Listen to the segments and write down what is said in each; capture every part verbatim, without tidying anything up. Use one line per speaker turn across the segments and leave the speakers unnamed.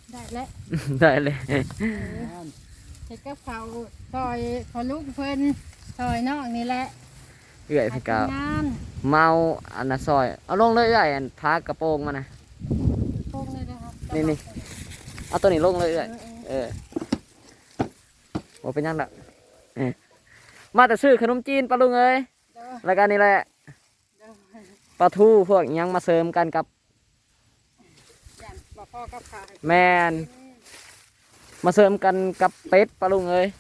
ได้แล้ว
ได้เลย
เฮ็ดกับเขาวซอยพอลูกเพิ่นซอยน้องนี่แหละ
เอื้อยพี่กาว
งาน
เมาอันน่ะซอยเอาลงเลยเอื้อยอันพากระโปรงมานะ
โป่งเลยนะครับ
นี่นี่เอาตัวนี้ลงเลยเอื้อยเออบ่เป็นหยังดอกเออมาแต่ซื้อขนมจีนปลาลุงเอ้ย
เด้อ
แล้วก็นี่แหละ
เด้อ
ปลาทูพวกอิหยังมาเสริมกันกับ
ย่านบ่พอกับข้าวให้
แมนมาเสริมกันกับเป็ดปลาลุงเอ้ย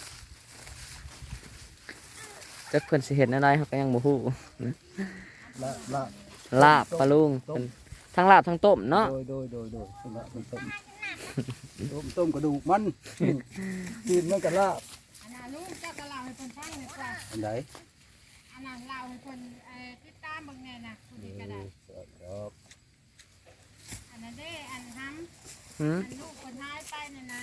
จักเพิ่นสิเห็นอะไรเขาก็ยังบ่ฮู้
ละละ
ลาบปลาลุงเพิ่นทั้งลาบทั้งต้มเนาะ
โดยโดยโดยโดยต้มละมันต้มต้มต้มกระดูกมันกินมันกับลาบ
อันนั้นลูกเจ้าก็เล่าให้เพิ่นฟังหน่อยกว่า
อันไหน
อันนั้นเล่าให้เพิ่นเอ่อติดตามเบิ่งแน่น่ะผู้นี้ก็ได้
ครับ
อันนั้นเด้อันทำ
หืม
อันลูกเพิ่นหายไปน่ะนะ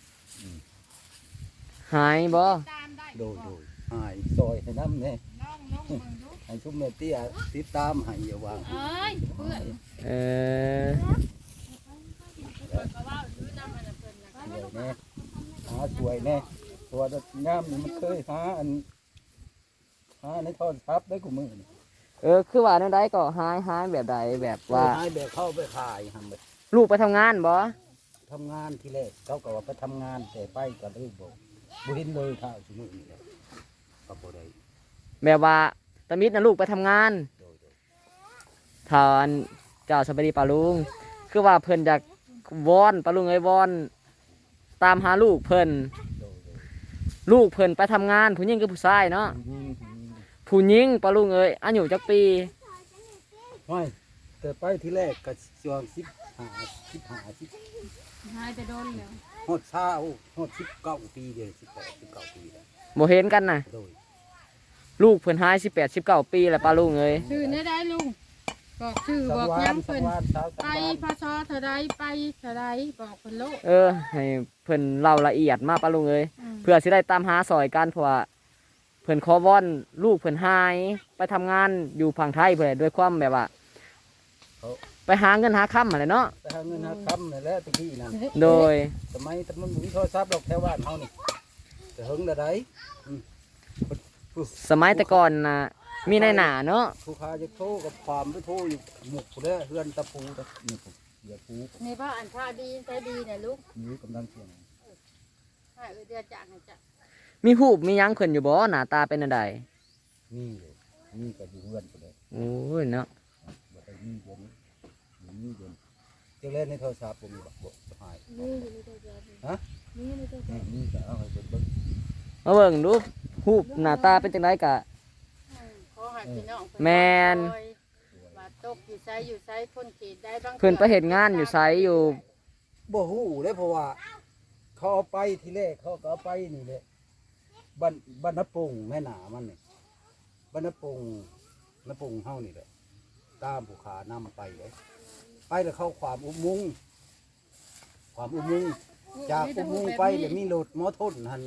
หายบ่
ตามได้
โด
บ่
ยโดยหายซอยให้น้ำเนี่ย
ลองลงเบิ่งดู
ให้ชุ่มเมเตี้ยติดตามให้อย่าวาง
เอ้ยเพื่อน
เออ
เพิ่นก็เว้าอยู่นำอันนั้นเพิ่นน่ะ
สวยแน่หาสวยแน่ตัวงามนี่มันเคยหาอันหาในทอดทับได้กูมือนี่
เออคือว่าแนวใดก็หายหายแบบใดแบบว่า
หายแบบเข้าไปขายทำไป
ลูกไปทำงานบ่
ทำงานที่แรกเขาก็ว่าไปทำงานแต่ไปกับลูกบอกบุหินเลยข้าวสมุนนี่แหละกับบ่ได้
แบบว่าตามิดน่ะลูกไปทำงาน
โดยโดย
ทานเจ้าสบายดีปลาลุงคือว่าเพิ่นอยากวอนปลาลุงเอ้ยวอนตามหาลูกเพิ่น
โดยโดย
ลูกเพิ่นไปทำงานผู้หญิงกับผู้ชายเนาะ
ยิง
ผู้หญิงปลาลุงเอ้ยอายุจักปี
ไม่แต่ไปที่แรกก็ช่วงสิบห้าสิบห้าสิบ
หายแต่โดนแล้ว
หดเช้าหดสิบเก้าปีเดียวสิบแปดสิบเก้าปีแล้ว
บ่เห็นกันน่ะ
โดย
ลูกเพิ่นหายสิบแปด สิบเก้าปีแล้วปลาลุงเอ้ย
ชื่อได้ได้ลุงบอกชื่อ
สั
บอก
วา
ย้ำ
นสั
เพิ่น
วานเช้าสั
ไป
วาน
พศเท่าใดไปเท่าใดบอกเพิ่นโลก
เออให้เพิ่นเล่าละเอียดมาปลาลุงเอ้ย
อืม
เพื่อสิได้ตามหาซอยกันเพราะว่าเพิ่นขอวอนลูกเพิ่นหายไปทำงานอยู่ฝั่งไทยเพิ่นแหละด้วยความแบบว่า
เขา
ไปหาเงินหาค่ำอะไรเนาะ
ไปหาเงินหาคำนี่นแหละตะกี้นั่น
โดย
สมัยแตะมันมีโทรศัพท์ดอกแถวบ้านเฮานี่แต่หึงละไดอืมผู้
สมัยแต่ก่อนน่ะมีในหนาเนาะ
ผู้ค้าจะโทรกับความไปโทรอยู่หมกผู้เด้อเฮือนตะปูตะนี่ผมเดี๋ยวปู
นี่บ่อันท่าดีใช้ดีน่ะลูก
นี่กำลังเสียง
ให้เออเดือจากให้จ้ะ
มีหูปมีหยังเพิ่นอยู่บ่หน้าตาเป็นอันใด
นี่อยู่นี่ก็อยู่เฮือนผู้เด้อ
โอ้ยเนาะ
บ่ได้มีเดี๋ยวนี้มีเดี๋ยวนี้เจ้าเล่นในโทรศัพท์ผมมีบ่บ่หาย
นี่อยู่ในตัวเดียว
ฮะ
นี่ในตัวเดียว
นี่ก็เอาให้เบิ่งเบิ่ง
มาเบิ่งดูหูปหน้าตาเป็นจังไดกะ
ขอให้พี่น้อง
แม่น
ว่าตกอยู่ไสอยู่ไสพ้นเขตได้บาง
เพิ่นไปเฮ็ดงานอยู่ไสอยู่
บ่ฮู้เลยเพราะว่า เขาเอาไปทีแรกเขาก็เอาไปนี่แหละบ้านบ้านนปงแม่หนามันนี่บ้านนปงนปงเฮานี่แหละตามผู้ขานำไปเลยไปแล้วเข้าความอุโมงค์ความอุโมงค์จากอุโมงค์ไปเดี๋ยวมีรถมอทนหัน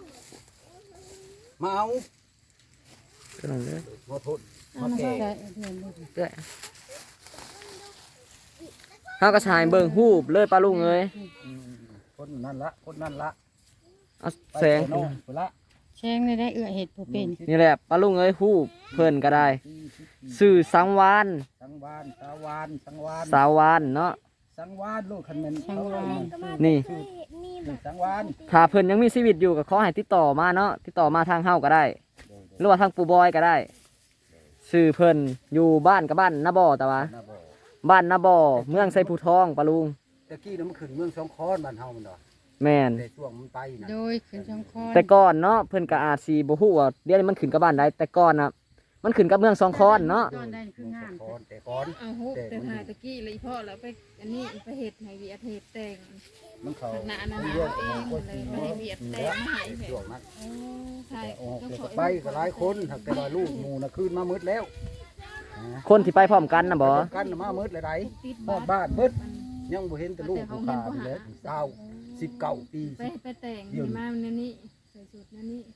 มาเอา
ก็นั่นเลย
มอทนมาแก่
เด้อเฮาก็สายเบิ่งหูปเลยปลาลุงเอ้ย
อืมคนนั่นละคนนั่นละ
เอา
ไป
แสง
ไปน้องไปละ
แชงได้ได้เอื้อเห็ดผู้เป็น
นี่แหละปลาลุงเอ้ยหูปเพิ่นก็ได้ชื่อสังวาน
สังวานสาวานสังวาน
สาววานเนาะ
สังวานลูกคันแม่น
สังวาล
นี่
สังวาน
ถ้าเพิ่นยังมีชีวิตอยู่ก็ขอให้ติดต่อมาเนาะติดต่อมาทางเฮาก็ได้ หรือว่าทางปู่บอยก็ได้ชื่อเพิ่นอยู่บ้านกับบ้านนาบ่อแต่ว่า
นาบ่
บ้านนาบ่อเมืองไซภูทองปะลุง
ตะกี้น้ำมันขึ้นเมืองสองคอนบ้านเฮามันดอก
แม่น
แต่ช่วงมันไปนะ
โดยขึ้นช่องคอน
แต่ก่อนเนาะเพิ่นก็อาจสิบ่ฮู้ว่าเดี๋ยวนี้มันขึ้นกับบ้านใดแต่ก่อนน่ะมันขึ้นกับเมืองสองคอนเนาะ
ก่อนได้คืองาม
คอนแต่ก่อน
เอาฮุบแต่หาตะกี้เลยพ่อแล้วไปอันนี้ไปเห็ดให้เวียดเห็ดแต่ง
มันเขา
หนาหนา
มั
เอาเองเลยไม่ให้เวียดแต่งมาให้แผล
ช่วงนั้น
โอ้ใช่
แต่ออก
ต้อง
แต่
ข
ก็
อ
ไปก็หลายคนถ้าแต่ว่าลูกหมูน่ะคืนมามืดแล้วนะ
คนที่ไปพร้อมกันน่ะบ่
ไปกันน่ะมามืดเลยได
ติด
ฮอดบ้านมืดยังบ่เห็นแต่ลูกผู้ขานี่แหละเศร้าสิบเก้าปี
ไปไปแต่งให้มาในนี้ใส่สูตรในนี้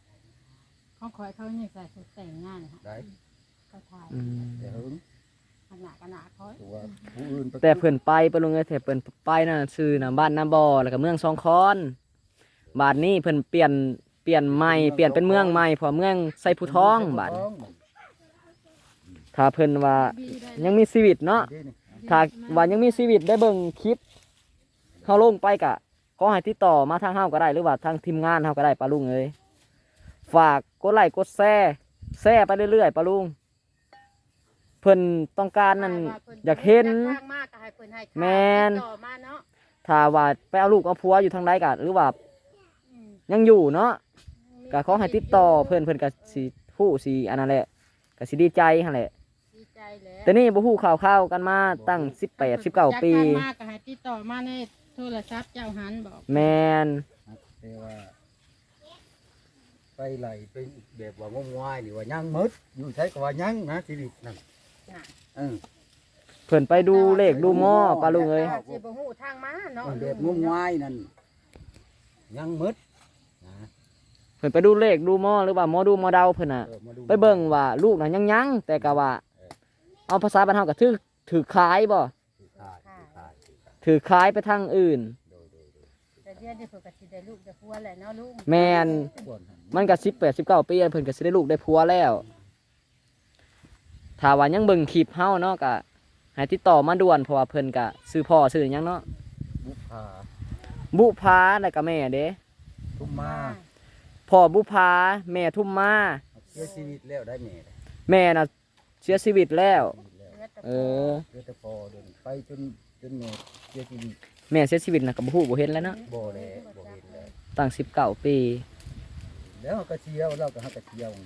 เขาคอยเขาเนี่ยใส่ชุดแต่งงานค่ะ
ได้
เขาถ่าย
อืม
แต่หึง
อันาดขนาดเขา
ตัวผู้อื่นไป
แต่เพิ่นไปปะลุงเอ้ยแต่เพิ่นไปนั่นชื่อน่ะบ้านนาบ่อแล้วก็เมืองสองคอนบาดนี้เพิ่นเปลี่ยนเปลี่ยนใหม่เปลี่ยนเป็นเมืองใหม่เพอเมืองไซผู้ทองบาดนี้ถ้าเพิ่นว่ายังมีชีวิตเนาะถ้าว่ายังมีชีวิตได้เบิ่งคลิปเฮาลงไปก็ขอให้ติดต่อมาทางเฮาก็ได้หรือว่าทางทีมงานเฮาก็ได้ปะลุงเอ้ยฝากกดไลค์กดแชร์แชร์ไปเรื่อยๆปะลุงเพิ่นต้องการนั่นอยากเห็น แม่น
ต่อมาเนาะ
ถ้าว่าไปเอาลูกเอาผัวอยู่ทางใดก็หรือว่ายังอยู่เนาะก็ขอให้ติดต่อเพิ่นเพิ่นก็สิฮู้สิอันนั้นแหละก็สิดีใจหั่นแหละ
ดีใจแล้ว
แต่นี่บ่ฮู้ข่าวๆกันมาตั้งสิบแปด สิบเก้าปี
จากการมาก็ให้ติดต่อมาในโทรศัพท์เจ้าหันบอก
แม่น
แต่ว่าไปไหลไปแบบว่างมงายหรือว่ายังมดอยู่ใช้ก็ว่ายังนะชีวิตนั่น
น่ะ
เออ
เพิ่นไปดูเลขดูหม้อปลาลุงเอ้ย
ถ้าสิบ่ฮู้ทางมาเนาะ
แบบงมงายนั่นยังมดนะ
เพิ่นไปดูเลขดูหม้อหรือว่าหมอดูหมอเดาเพิ่นน่ะ
ออมาดู
ไปเบิ่งว่าลูกน่ะยังยังแต่ก็ว่าเอาภาษาบ้านเฮาก็ถือถือขายบ่
ถือขายถือขายถือขาย
ถือขายไปทางอื่น
โดยโดยโดย
แต่เดี๋ยวนี้เพิ่นก็สิได้ลูกได้ผัวแหละเนาะลุง
แม่น
ส่วนหัน
มันก็สิบแปด สิบเก้าปีเพิ่นก็สิได้ลูกได้ผัวแล้วถ้าว่ายังเบิ่งคลิปเฮาเนาะก็ให้ติดต่อมาด่วนเพราะว่าเพิ่นก็ซื้อพ่อซื้อหยังเนาะ
บุพา
บุพาแล้วก็แม่เด้
ทุ่มมา
พ่อบุพาแม่ทุ่มมา
เสียชีวิตแล้วได้แม่
แม่น่ะเสียชีวิตแล้ว
ชีวิตแล้ว
เออ
เดือดแต่พอเดินไปจนจนแม่เสียชีวิต
แม่เสียชีวิตน่ะก็บ่ฮู้บ่เห็นแล้วเนาะ
บ่แล้วบ่เห็นแล้ว
ตั้งสิบเก้าปี
แล้วเราก็เที่ยวเราก็หาก็เที่ยว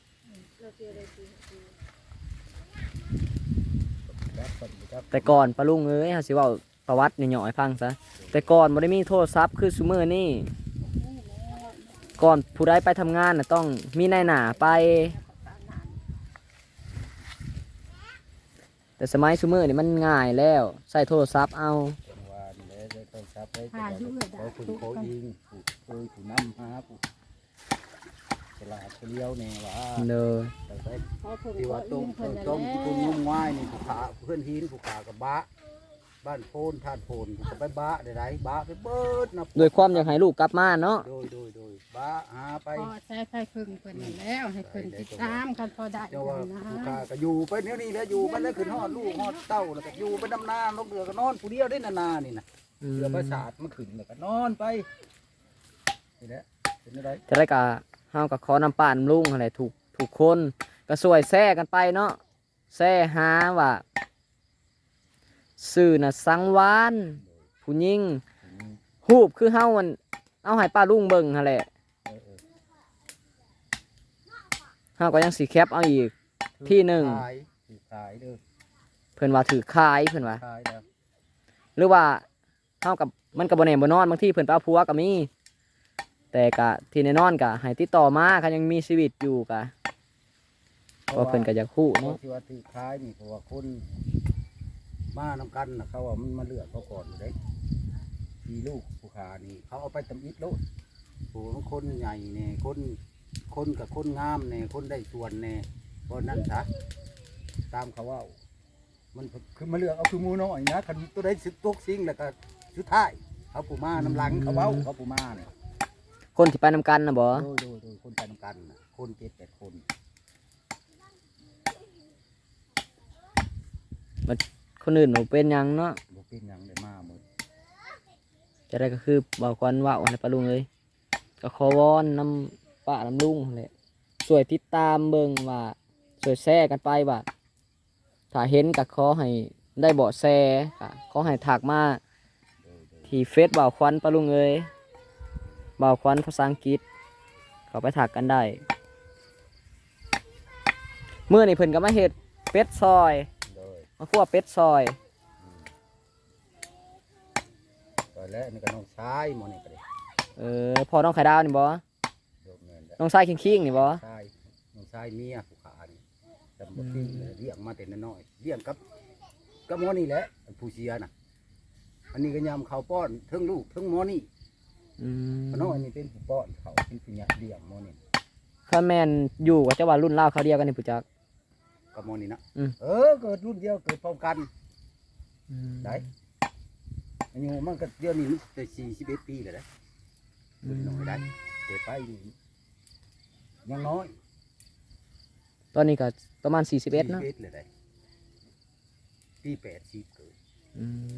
รับคนครับ
แต่ก่อนปะลุงเอ้ยเฮาสิเว้าประวัติย่อๆให้ฟังซะแต่ก่อนบ่ได้มีโทรศัพท์คือซุมื้อนี้ก่อนผู้ใดไปทำงานน่ะต้องมีนายหน้าไป แต่สมัยซุมื้อนี่มันง่ายแล้วใช้โทรศัพท์เอา
จังหวะนี่แหละได้ต้องทรัพย์ได้จังหวะเขาฝึกเขายิงผูกเคยผูกน้ำหาผูกฉลาดเลี้ยวเนี่ยว่า
เด้อ
แต่ได้
เพราะเพิ่น
ที่
ก็
ว่าต้
อิ
ม
งเพิ่นนั่น
ต้ม
แห
ที่คุณง
ละ
มง่ายนี่ผูกขาเพื่อนหินผูกขากับบะบ้านโพนท่านโพนผูกไปบะได้ไรบะไปเบิดนะ
ด้วยความอยากให้ลูกกลับมาเนาะ
โดยโดยโดยบะหาไป
พอใช้ไฟพึ่งเพิ่นนั่นแล้วให้เพิ่นติดตามกันพอได้
เจ้าว่า
นะ
ผูกขาก็อยู่ไปเนี้ยนี่แหล้วอยู่ไปแล้วขึ้นฮอดลูกฮอดเต้าแล้วก็อยู่ไปดำนาลกเรือก็นอนผู้เดียวได้นานานี่นะ
อืม
เรือประสาทมันขึ้นแล้วก็นอนไปนี่แหละเป็นอะไร
จะได้กะเฮาก็ขอนำป้านำลุงอะไรถูกถูกคนก็สวยแซ่กันไปเนาะแซ่หาว่าสื่อน่ะสังวานผู้หญิงฮูบคือเฮามันเอาให้ป้าลุงเบิ่งหั่นแหละ
เออเออ
เฮาก็ยังสิแคปเอาอีก ที่หนึ่ง
ขายถือขายเด้อ
เพิ่นว่าถือคายเพิ่นว่า
ขายแล้ว
หรือว่าเฮากับมันก็บ่แน่บ่นอนบางทีเพิ่นไปเอาผัวก็มีแต่ก็ที่แน่นอนก็ให้ติดต่อมาคันยังมีชีวิตอยู่ก็เพราะเพิ่นก็อยากฮู้
เพราะ
เนาะ
ที่ว่าถือขายนี่เพราะว่าคนมานำกันนะเขาว่ามันมาเลือกเขาก่อนอยู่เด้ทีลูกผู้ขานี่เขาเอาไปตำอิดโลดโอ้คนใหญ่เนี่ยคนคนกับคนงามเนี่ยคนได้ส่วนเนี่ยเพราะนั่นซะตามเขาว่า มันคือมาเลือกเอาคือหมูน้อยนะคันตัวใดสุดตกสิ่งแล้วก็สุดท้ายเขาปูมาน้ำหลังเขาเบ้าเขาปูมาเนี่ย
คนที่ไปนำกันน่ะบ่
โดยโดยโดยคนไปนำกันน่ะคนเจ็ดแปดคน
คนอื่นบ่เป็นหยังเนาะ
บ่เป็นหยังได้มาหมด
จะได้ก็คือบ่ควันเว้าให้ป้าลุงเลยก็ขอวอนนำป้านำลุงนั่นแหละช่วยติดตามเบิ่งว่าช่วยแชร์กันไปว่าถ้าเห็นก็ขอให้ได้เบาะแสก็ขอให้ถักมา
โดยโดย
ที่เฟซบ่าวควันป้าลุงเอ้ยบ่าวควันภาษาอังกฤษเขาไปถักกันได้เมื่อนี่เพิ่นก็มาเฮ็ดเป็ดซอย
โดย
มาคั่วเป็ดซอย
ตอนแรกนี่ก็น้องชายหมอนี่ก็ได้
เออพอน้องไข่ดาวนี่บ่
โดยแม่นแล้ว
น้องชายคิงๆนี่บ่
ชายน้องชายเมียผู้ขานี่จำบ่ทิ้งเลยเลี้ยงมาแต่น้อยๆเลี้ยงกับกับหมอนี่แหละผู้เสียน่ะ อันนี้ก็ยำเขาป้อนเทั้งลูกเทั้งหมอนี่
อืม
น้อยนี่เป็นผู้ป้อนเขาเป็นผู้หยักเลี้ยงหมอนี่
ข้าแม่นอยู่กับเจ้าว่ารุ่นราวเขาวเดียวกันนี่ผู้จัก
กับหมอนี่นะ
อืม
เออเกิดรุ่นเดียวเกิดพร้อมกัน
อืม
ได้อายุมันก็เดี๋ยวนี้มันได้สี่สิบเอ็ดปีแล้วได้
อืม
น้อยได้เกิดไปนี่ยังน้อย
ตอนนี้ก็ประมาณสี่สิบเอ็ดเนาะ
สี่สิบเอ็ดเลยได้ปีแปดสิบเกิด
อืม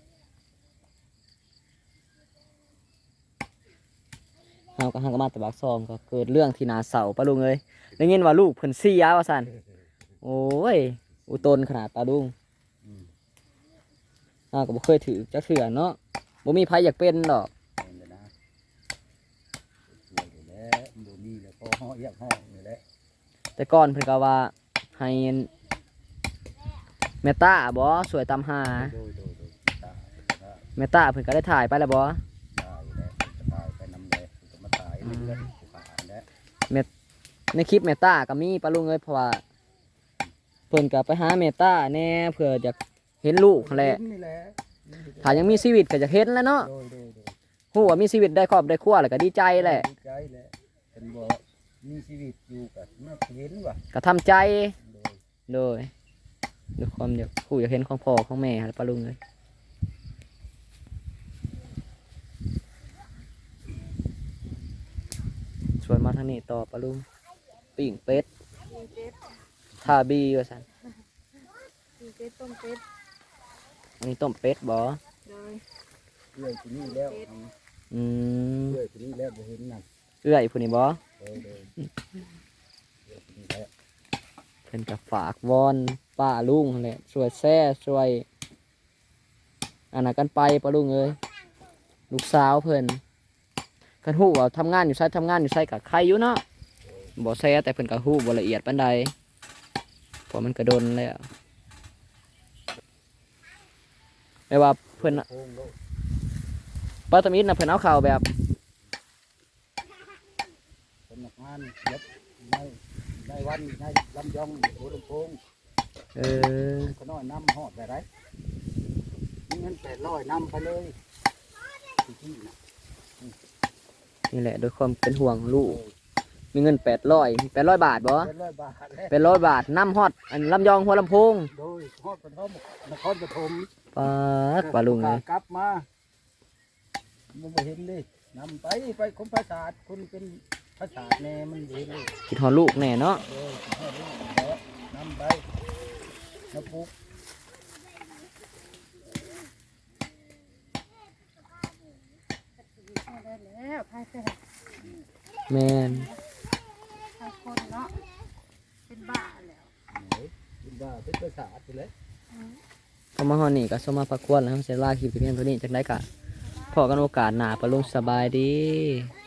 เฮาก็หังก็มาแต่บักซองก็เกิดเรื่องที่นาเสาปะลุงเอ้ยได้ยินว่าลูกเพิ่นเสียว่าซั่นโอ้ยอุตนขนาดปะลุง
อืม
เฮาก็บ่เคยถือจักเทื่อเนาะบ่มีไผอยากเป็นดอก
เป็นเลยนะสวยอยู่แล้วดูมีแล้วพอห่อเอียกห่ออยู่แล้ว
แต่ก่อนเพิ่นก็ว่าให้แม่ต้าบ่สวยตามหา
โดยโดยโดยตายได้
แม่ต้าเพิ่นก็ได้ถ่ายไปแล้วบ่
ตายแล้วจะตายไปน้ำแดงจะมาตายเรื่อยๆจะตายแล้ว
ในคลิปแม่ต้าก็มีปะลุงเอ้ยเพราะว่าเพิ่นก็ไปหาแม่ต้าแน่เพื่ออยากเห็นลูกนั่นแหละ
นี่แหละ
ถ้ายังมีชีวิตก็จะเห็นแล้วเนาะ
โดยโดยโดย
ฮู้ว่ามีชีวิตได้ครอบได้ครัวแล้วก็ดีใจแหละ
ดีใจแหละเป็นบ่มีชีวิตอยู่กับเมื่อเห็นว่ะ
ก็ทำใจ
โดย
โดยด้วยความอยากผู้อยากเห็นของพ่อของแม่หั่นปะลุงเอ้ยชวนมาทางนี้ต่อปะลุงปิ้งเป็ด
มีเป็ด
ทาบีว่าซั่น
มีเป็ดต้มเป็ด
อันนี้ต้มเป็ดบ่
โดย
เลื่อยที่นี่แล้ว
อืม
เลื่อยที่นี่แล้วบ่เห็นนั่น
เอื้อยผู้นี้บ่
โดยโดยเลื่อยที่นี่แล้ว
เพิ่นก็ฝากวอนป้าลุงนั่นแหละช่วยแซ่ช่วยอันนั้นกันไปป้าลุงเอ้ยลูกสาวเพิ่นคันฮู้ว่าทำงานอยู่ไสทำงานอยู่ไสก็ใครอยู่เนาะบ่แซ่แต่เพิ่นก็ฮู้บ่ละเอียดปานใดเพราะมันก็โดนแล้วไม่ว่าเพิ่นน่ะ
โค้งโลด
ป้าตะมิดน่ะเพิ่นเอาข่าวแบบ
สำนักงานเย็บในในวันในลำยองหัวลำโพง
เออ
ก็น้อยน้ำหอดไปไรมีเงินแปดร้อยน้ำไปเลยที่ที่น่ะ
นี่แหละโดยความเป็นห่วงลูกมีเงินแปดร้อยแปดร้อยบาทบ่
แปดร้อยบาทแล้ว
แปดร้อยบาทนำฮอดอันลำยองหัวลำโพง
โดยฮอดปฐมนครปฐม
ปาดป้าลุงเอ้ย
กลับมามันบ่เห็นดินำไปไปคมภาษาทคุณเป็นภาษาทแน่มันเห็นเลย
คิดฮอดลูกแน่เนาะ
โดยฮอดนี่แล้วนำไปน้ำปุ๊ก
ได้แล้วพายแต่
แม่น
ทางคนเนาะเป็นบ้าแล้ว
ไหนเป็นบ้าเป็นภาษาทไปเลย
พอมาฮอดนี่ก็สมมาพักควรแล้วเสียลาคลิปไปเพียงเท่านี้จักได้กะพอกันโอกาสหน้าปะลุงสบายดี